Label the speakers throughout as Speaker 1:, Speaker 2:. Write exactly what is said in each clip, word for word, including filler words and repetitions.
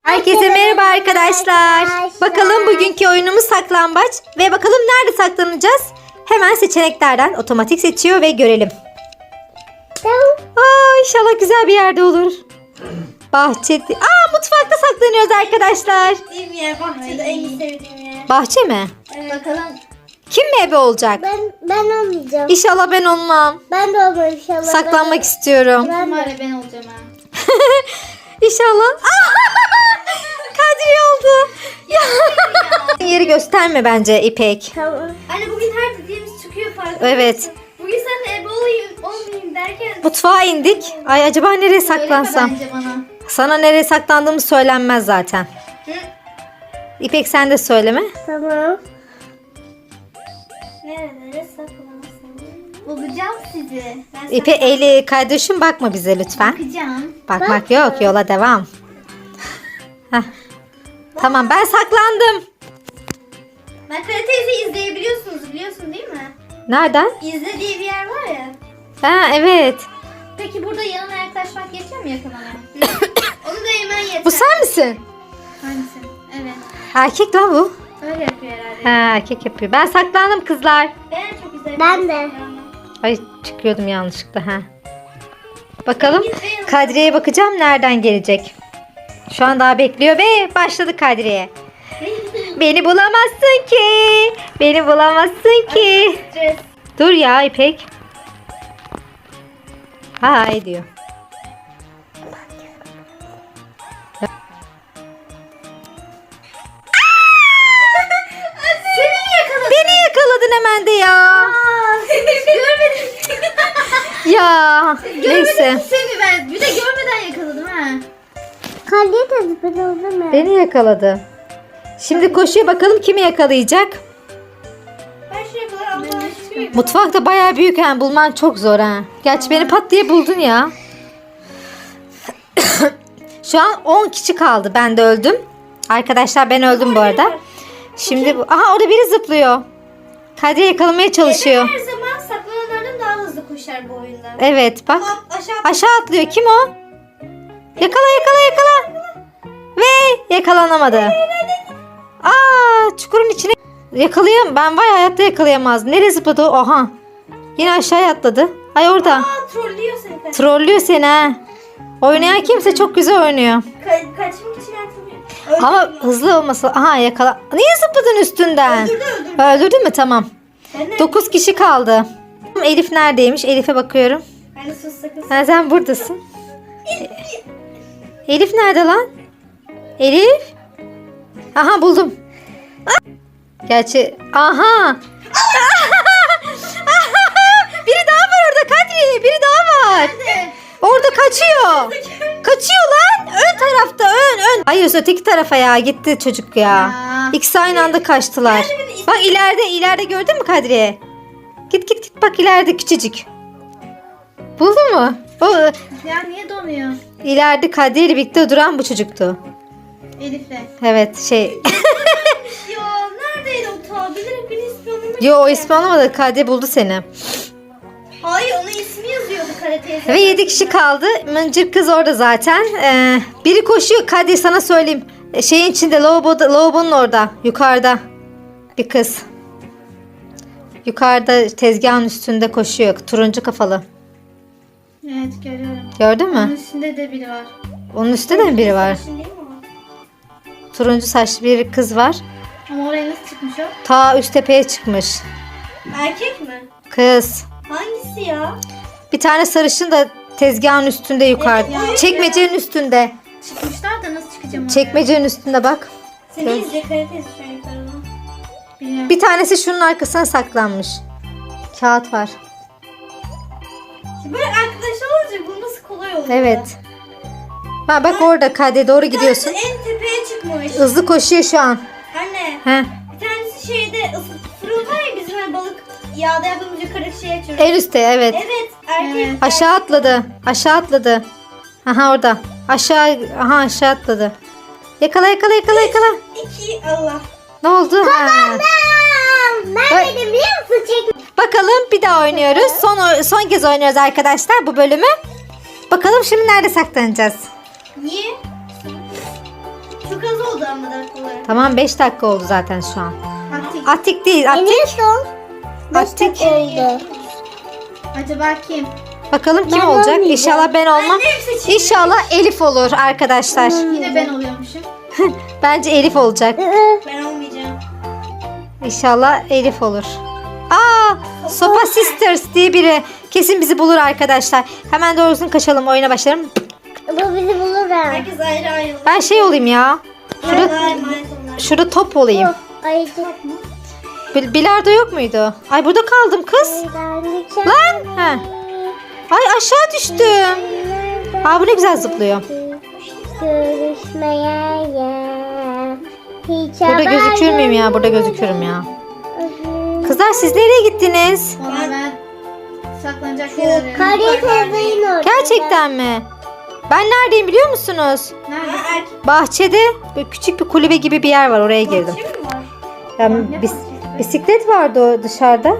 Speaker 1: Herkese merhaba arkadaşlar. Bakalım bugünkü oyunumuz saklambaç. Ve bakalım nerede saklanacağız? Hemen seçeneklerden otomatik seçiyor ve görelim. Aa, inşallah güzel bir yerde olur. Bahçe. Aa, mutfakta saklanıyoruz arkadaşlar.
Speaker 2: Sevdiğim yer, bahçede en sevdiğim yer.
Speaker 1: Bahçe mi?
Speaker 2: Evet. Bakalım.
Speaker 1: Kim mi ebe olacak?
Speaker 3: Ben ben olmayacağım.
Speaker 1: İnşallah ben olmam.
Speaker 3: Ben de olmayacağım inşallah.
Speaker 1: Saklanmak
Speaker 3: ben,
Speaker 1: istiyorum.
Speaker 3: Ben
Speaker 2: Umarım
Speaker 3: de.
Speaker 2: ben olacağım ha.
Speaker 1: İnşallah. Kadriye oldu. Yeri gösterme bence İpek.
Speaker 3: Tamam.
Speaker 2: Anne bugün her dediğimiz çıkıyor farkında
Speaker 1: Evet.
Speaker 2: mısın? Bugün sen de ebe olayım, olmayayım derken.
Speaker 1: Mutfağa indik. Ay acaba nereye saklansam?
Speaker 2: Söyleme bence bana.
Speaker 1: Sana nereye saklandığımız söylenmez zaten.
Speaker 2: Hı?
Speaker 1: İpek sen de söyleme.
Speaker 3: Tamam.
Speaker 2: Nerelere saklamasın? Bulacağım sizi. Ben
Speaker 1: İpek eli kardeşim bakma bize lütfen.
Speaker 2: bakacağım.
Speaker 1: Bakmak yok, yola devam. Heh. Tamam, ben saklandım.
Speaker 2: Ben Kara teyze izleyebiliyorsunuz, biliyorsun değil mi?
Speaker 1: Nereden?
Speaker 2: İzle diye bir yer var ya.
Speaker 1: Ha evet.
Speaker 2: Peki burada yanına yaklaşmak yetiyor mu yakalamaya? Onu da hemen yeter.
Speaker 1: Bu sen misin?
Speaker 2: Hangisi? Evet.
Speaker 1: Erkek lan bu.
Speaker 2: Öyle yapıyor herhalde.
Speaker 1: Ha, erkek yapıyor. Ben saklandım kızlar.
Speaker 2: Ben çok güzel.
Speaker 3: Ben de.
Speaker 1: Ay çıkıyordum yanlışlıkla ha. Bakalım Kadriye'ye bakacağım nereden gelecek. Şu an daha bekliyor ve başladı Kadriye. Beni bulamazsın ki. Beni bulamazsın ki.
Speaker 2: Stres.
Speaker 1: Dur ya İpek. Hay diyor.
Speaker 2: Seni yakaladım.
Speaker 1: Beni yakaladın hemen de ya.
Speaker 2: Görmedim.
Speaker 1: Ya neyse.
Speaker 2: Görmedim seni ben. Bir de görmeden yakaladım ha.
Speaker 3: Kaleye tadı ben oldum mu?
Speaker 1: Beni yakaladı. Şimdi koşuyor bakalım kimi yakalayacak.
Speaker 2: Ben şuraya kadar Allah'a şükür.
Speaker 1: Mutfak da bayağı büyük ha. Bulman çok zor ha. Gerçi beni pat diye buldun ya. Şu an on kişi kaldı. Ben de öldüm. Arkadaşlar ben öldüm bu arada. Şimdi bu. Aha orada biri zıplıyor. Kadriye yakalamaya çalışıyor.
Speaker 2: Her zaman saklananlardan daha hızlı koşar bu oyunda.
Speaker 1: Evet bak.
Speaker 2: At, aşağı
Speaker 1: Aşağı atlıyor. Kim o? Yakala yakala yakala. Ve yakalanamadı. Aa çukurun içine yakalayam. Ben vay hayatta yakalayamaz. Nereye zıpladı o? Oha. Yine aşağıya atladı. Ay orada.
Speaker 2: Aa, trollüyor seni. Kaç.
Speaker 1: Trollüyor seni ha. Oynayan kimse çok güzel oynuyor.
Speaker 2: Ka- kaçmak için atılıyor.
Speaker 1: Ama hızlı olması. Aha yakala. Niye zıpladın üstünden?
Speaker 2: Öldürdü öldürdü.
Speaker 1: Öldürdün mü? Tamam.
Speaker 2: Ben de.
Speaker 1: dokuz kişi kaldı. Elif neredeymiş? Elif'e bakıyorum.
Speaker 2: Hani sus sakın.
Speaker 1: Ha, sen buradasın. Elif nerede lan? Elif? Aha buldum. Gerçi aha. Biri daha var orada Kadri. Biri daha var.
Speaker 2: Nerede?
Speaker 1: Orada kaçıyor. Kaçıyor lan. Ön tarafta ön ön. Hayır öteki tarafa ya. Gitti çocuk ya.
Speaker 2: Ya.
Speaker 1: İkisi aynı anda kaçtılar.
Speaker 2: Nerede beni-
Speaker 1: Bak ileride ileride gördün mü Kadriye? Git git git bak ileride küçücük. Buldun mu? O
Speaker 2: Ya niye donuyor?
Speaker 1: ileride Kadriye ile birlikte duran bu çocuktu.
Speaker 2: Elif'le.
Speaker 1: Evet şey.
Speaker 2: Ya neredeydi o ta? Bilerek beni ismi anlamadım.
Speaker 1: Yo o ismi anlamadı. Kadriye buldu seni.
Speaker 2: Hayır onun ismi yazıyordu Kara teyze.
Speaker 1: Ve yedi kişi kaldı. Mıncır kız orada zaten. Ee, biri koşuyor. Kadriye sana söyleyeyim. E, Şeyin içinde lavaboda, lavabonun orada. Yukarıda. Bir kız. Yukarıda tezgahın üstünde koşuyor. Turuncu kafalı.
Speaker 2: Evet görüyorum.
Speaker 1: Gördün
Speaker 2: Onun
Speaker 1: mü?
Speaker 2: üstünde de biri var.
Speaker 1: Onun üstte de mi biri var?
Speaker 2: Sarışın değil mi o?
Speaker 1: Turuncu saçlı bir kız var.
Speaker 2: Ama oraya nasıl çıkmış o?
Speaker 1: Ta üst tepeye çıkmış.
Speaker 2: Erkek mi?
Speaker 1: Kız.
Speaker 2: Hangisi ya?
Speaker 1: Bir tane sarışın da tezgahın üstünde yukarıda.
Speaker 2: Evet, ya.
Speaker 1: Çekmecenin üstünde.
Speaker 2: Çıkmışlar da nasıl çıkacağım oraya?
Speaker 1: Çekmecenin üstünde bak.
Speaker 2: Seni
Speaker 1: Evet.
Speaker 2: izle Kara teyze şöyle yukarıdan. Bilmiyorum.
Speaker 1: Bir tanesi şunun arkasına saklanmış. Kağıt var.
Speaker 2: Böyle arkadaşlar olacak bu nasıl kolay olur?
Speaker 1: Evet. Ha, bak orada Kadriye doğru gidiyorsun.
Speaker 2: En tepeye çıkmış.
Speaker 1: Hızlı koşuyor şu an.
Speaker 2: Anne
Speaker 1: He.
Speaker 2: bir tanesi şeyde ısı- fırın var ya bizim hani balık yağda yaptığımız yukarı şey açıyoruz.
Speaker 1: En üstte evet.
Speaker 2: Evet erkek.
Speaker 3: Evet.
Speaker 1: Aşağı atladı. Aşağı atladı. Aha orada. Aşağı aha aşağı atladı. Yakala yakala yakala yakala.
Speaker 2: İki Allah.
Speaker 1: Ne oldu? Ha.
Speaker 3: Ben
Speaker 1: Ay.
Speaker 3: dedim biliyor musun? Çek.
Speaker 1: Bakalım bir daha oynuyoruz. Son son kez oynuyoruz arkadaşlar bu bölümü. Bakalım şimdi nerede saklanacağız?
Speaker 2: Niye? Çok az oldu ama dakikaları.
Speaker 1: Tamam beş dakika oldu zaten şu an.
Speaker 2: Atik.
Speaker 1: Atik değil
Speaker 3: En
Speaker 1: Atik.
Speaker 3: son
Speaker 1: Atik.
Speaker 3: oldu.
Speaker 2: Acaba kim?
Speaker 1: Bakalım kim
Speaker 3: Ben
Speaker 1: olacak?
Speaker 3: olmayacağım.
Speaker 1: İnşallah ben olmam.
Speaker 2: Annem seçeyim.
Speaker 1: İnşallah Elif olur arkadaşlar.
Speaker 2: Yine ben oluyormuşum.
Speaker 1: Bence Elif olacak.
Speaker 2: Ben olmayacağım.
Speaker 1: İnşallah Elif olur. Aa, Sopa Sisters diye biri kesin bizi bulur arkadaşlar. Hemen doğrusunu kaçalım, oyuna başlayalım.
Speaker 3: Bu bizi bulur ha.
Speaker 2: Herkes ayrı ayrı.
Speaker 1: Ben şey olayım ya. Şurada,
Speaker 2: Şurada emanet onlar.
Speaker 1: şurada top olayım.
Speaker 3: Ayıcık.
Speaker 1: Bil- Bilardo yok muydu? Ay burada kaldım kız. Lan. Ha. Ay aşağı düştüm. Aa bu ne güzel zıplıyor.
Speaker 3: Görüşmeye ya. Hiç
Speaker 1: Burada
Speaker 3: haber
Speaker 1: gözükür müyüm ya? Burada gözükürüm ya. Kızlar siz nereye gittiniz?
Speaker 2: Ona ben saklanacak yer arıyorum.
Speaker 3: Kariye teyzeyin orada.
Speaker 1: Gerçekten mi? Ben neredeyim biliyor musunuz?
Speaker 2: Nerede? Erkek
Speaker 1: Bahçede böyle küçük bir kulübe gibi bir yer var, oraya girdim.
Speaker 2: bahçe mi var?
Speaker 1: Yani bis- bisiklet vardı o dışarıda.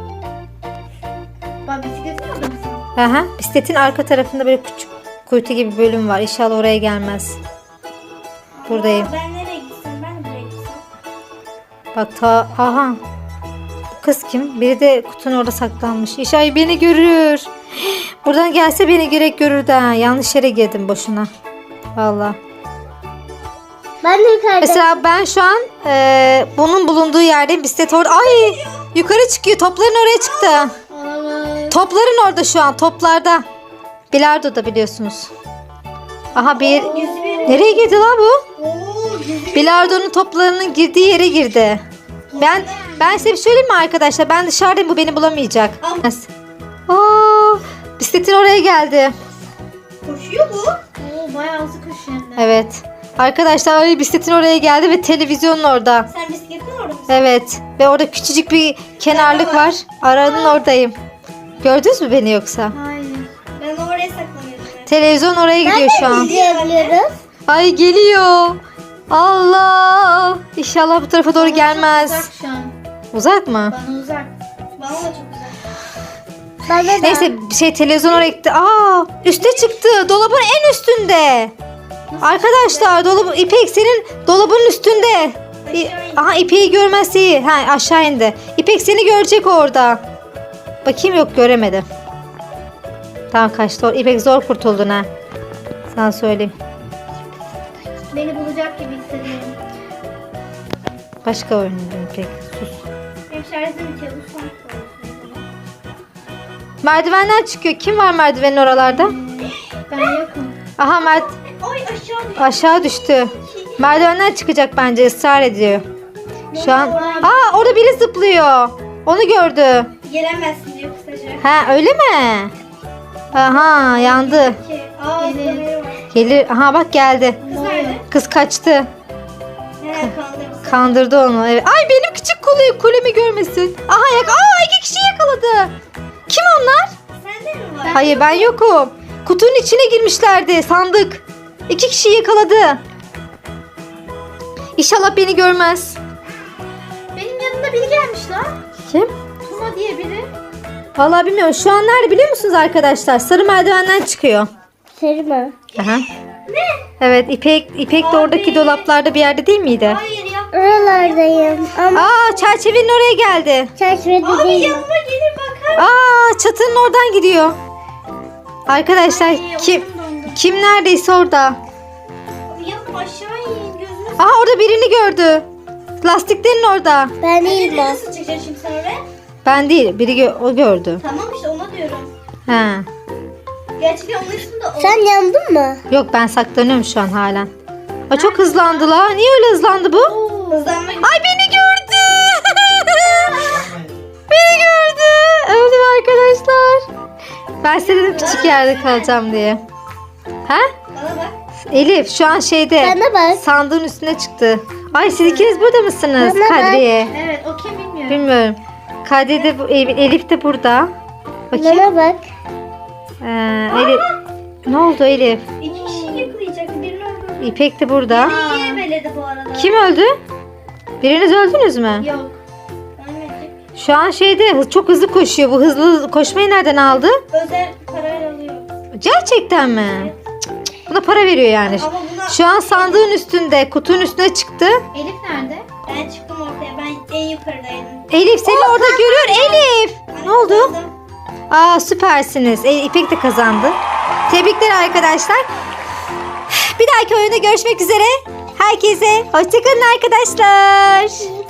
Speaker 2: Bak bisikletin orada mısın?
Speaker 1: Aha, bisikletin arka tarafında böyle küçük kuytu gibi bir bölüm var. İnşallah oraya gelmez. Buradayım.
Speaker 2: Aa, ben nereye gitsem? Ben de buraya gitsem.
Speaker 1: Bak ta aha. Bu kız kim? Biri de kutunun orada saklanmış. İnşallah beni görür. Buradan gelse beni gerek görürdü ha. Yanlış yere girdim boşuna. Vallahi.
Speaker 3: Ben de yukarıda.
Speaker 1: Mesela ben şu an e, bunun bulunduğu yerdeyim. Bisiklet orada. Ay! Yukarı çıkıyor. Topların oraya çıktı.
Speaker 2: Olamaz.
Speaker 1: Topların orada şu an. Toplarda. Bilardo'da biliyorsunuz. Aha bir...
Speaker 2: Gizli bir yere.
Speaker 1: Nereye girdi la bu?
Speaker 2: Oo, gizli bir
Speaker 1: Bilardo'nun toplarının girdiği yere girdi. Ben ben size bir söyleyeyim mi arkadaşlar? Ben dışarıdayım, bu beni bulamayacak. Aa, bisikletin oraya geldi.
Speaker 2: koşuyor bu. Oo, bayağı hızlı koşuyor hem de.
Speaker 1: Evet. Arkadaşlar ay, bisikletin oraya geldi ve televizyonun orada.
Speaker 2: Sen bisikletin orada mısın?
Speaker 1: Evet. Ve orada küçücük bir kenarlık var. Aranın ordayım. Gördünüz mü beni yoksa?
Speaker 2: Hayır. Ben oraya saklanıyorum.
Speaker 1: Televizyon oraya gidiyor şu an.
Speaker 3: Gidebiliyoruz.
Speaker 1: Ay geliyor. Allah. İnşallah bu tarafa doğru gelmez.
Speaker 2: Uzak şu an.
Speaker 1: Uzak mı?
Speaker 2: Bana uzak. Bana da çok uzak.
Speaker 3: Bana da.
Speaker 1: Neyse şey televizyon oraya gitti. Aa, üste çıktı. Dolabın en üstünde. Arkadaşlar dolabı İpek senin dolabın üstünde. İ- Aha İpek'i görmezse iyi. Ha aşağı indi. İpek seni görecek orada. Bakayım, yok göremedi. Tamam kaçtı. İpek zor kurtuldun ha. Sana söyleyeyim.
Speaker 2: Beni bulacak gibi hissediyorum.
Speaker 1: Başka oyun İpek. Sus.
Speaker 2: Benim şarjım bitiyor. Bu son.
Speaker 1: Merdivenden çıkıyor. Kim var merdivenin oralarda?
Speaker 2: Ben yokum.
Speaker 1: Aha Mert
Speaker 2: Ay aşağı düştüm.
Speaker 1: aşağı düştü. Merdivenden çıkacak bence, ısrar ediyor. Şu an. Aa orada biri zıplıyor. Onu gördü.
Speaker 2: Gelemezsin diyor kısaca.
Speaker 1: Ha öyle mi? Aha yandı.
Speaker 2: Ki, aa zıplamayı var.
Speaker 1: Gelir. Aha bak geldi.
Speaker 2: Kız nerede?
Speaker 1: Kız kaçtı.
Speaker 2: Nereye kaldırdı?
Speaker 1: Kandırdı onu. Evet. Ay benim küçük kule, kulemi görmesin. Aha yak. Aa iki kişi yakaladı. Kim onlar?
Speaker 2: Sende mi var?
Speaker 1: Hayır ben yokum. Kutunun içine girmişlerdi, sandık. İki kişi yakaladı. İnşallah beni görmez.
Speaker 2: Benim yanımda biri gelmiş lan.
Speaker 1: Kim?
Speaker 2: Tuna diye biri.
Speaker 1: Vallahi bilmiyorum. Şu an nerede biliyor musunuz arkadaşlar? Sarı merdivenden çıkıyor.
Speaker 3: Sarı mı?
Speaker 1: Aha. Ne? Evet İpek, İpek de
Speaker 2: Abi.
Speaker 1: oradaki dolaplarda bir yerde değil miydi?
Speaker 2: Hayır ya.
Speaker 3: Oralardayım. Ama
Speaker 1: Aa çerçevenin oraya geldi.
Speaker 3: çerçevede
Speaker 2: Abi
Speaker 3: değilim.
Speaker 2: yanıma gelin bakar.
Speaker 1: Aa çatının oradan gidiyor. Arkadaşlar
Speaker 2: Ay,
Speaker 1: kim
Speaker 2: oyunum dondu.
Speaker 1: kim neredeyse orada.
Speaker 2: Abi yanım aşağı in gözünü.
Speaker 1: Aha orada birini gördü. Lastiklerin orada.
Speaker 3: Ben değilim
Speaker 2: Elini
Speaker 3: o.
Speaker 2: nasıl çıkacaksın şimdi sen oraya?
Speaker 1: Ben değil, biri gö- o gördü.
Speaker 2: Tamam işte ona diyorum.
Speaker 1: Ha.
Speaker 2: Gerçekten onun ismi de o.
Speaker 3: Sen yandın mı?
Speaker 1: Yok ben saklanıyorum şu an halen. Aa, çok hızlandı la. Niye öyle hızlandı bu?
Speaker 2: Hızlanma gibi.
Speaker 1: Ay beni gördü. Beni gördü. Öldüm arkadaşlar. Ben size dedim küçük yerde kalacağım diye. Ha?
Speaker 2: Bana bak.
Speaker 1: Elif şu an şeyde.
Speaker 3: Bana bak.
Speaker 1: Sandığın üstüne çıktı. Ay siz ikiniz burada mısınız?
Speaker 3: Bana bak.
Speaker 1: Kadriye.
Speaker 2: Evet o kim bilmiyorum.
Speaker 1: Bilmiyorum. Kadriye de bu, Elif de burada. Bakayım.
Speaker 3: Bana bak.
Speaker 1: Ee, Elif. Ne oldu Elif?
Speaker 2: İki kişi yakalayacaktı. Birini öldürdü.
Speaker 1: İpek de burada.
Speaker 2: Beni iyi ebeledi bu arada.
Speaker 1: Kim öldü? Biriniz öldünüz mü?
Speaker 2: Yok. Ölmedik.
Speaker 1: Şu an şeyde hı- çok hızlı koşuyor. Bu hızlı koşmayı nereden aldı?
Speaker 2: Özel parayla alıyor.
Speaker 1: Gerçekten mi? Cık, cık. Buna para veriyor yani.
Speaker 2: Ama bunu
Speaker 1: Şu an sandığın üstünde, kutunun üstüne çıktı.
Speaker 2: Elif nerede? Ben çıktım ortaya. Ben en yukarıdaydım.
Speaker 1: Elif seni orada görüyor. Elif. Ne oldu?
Speaker 2: Kazandım.
Speaker 1: Aa süpersiniz. E, İpek de kazandı. Tebrikler arkadaşlar. Bir dahaki oyunda görüşmek üzere. Herkese hoşçakalın arkadaşlar.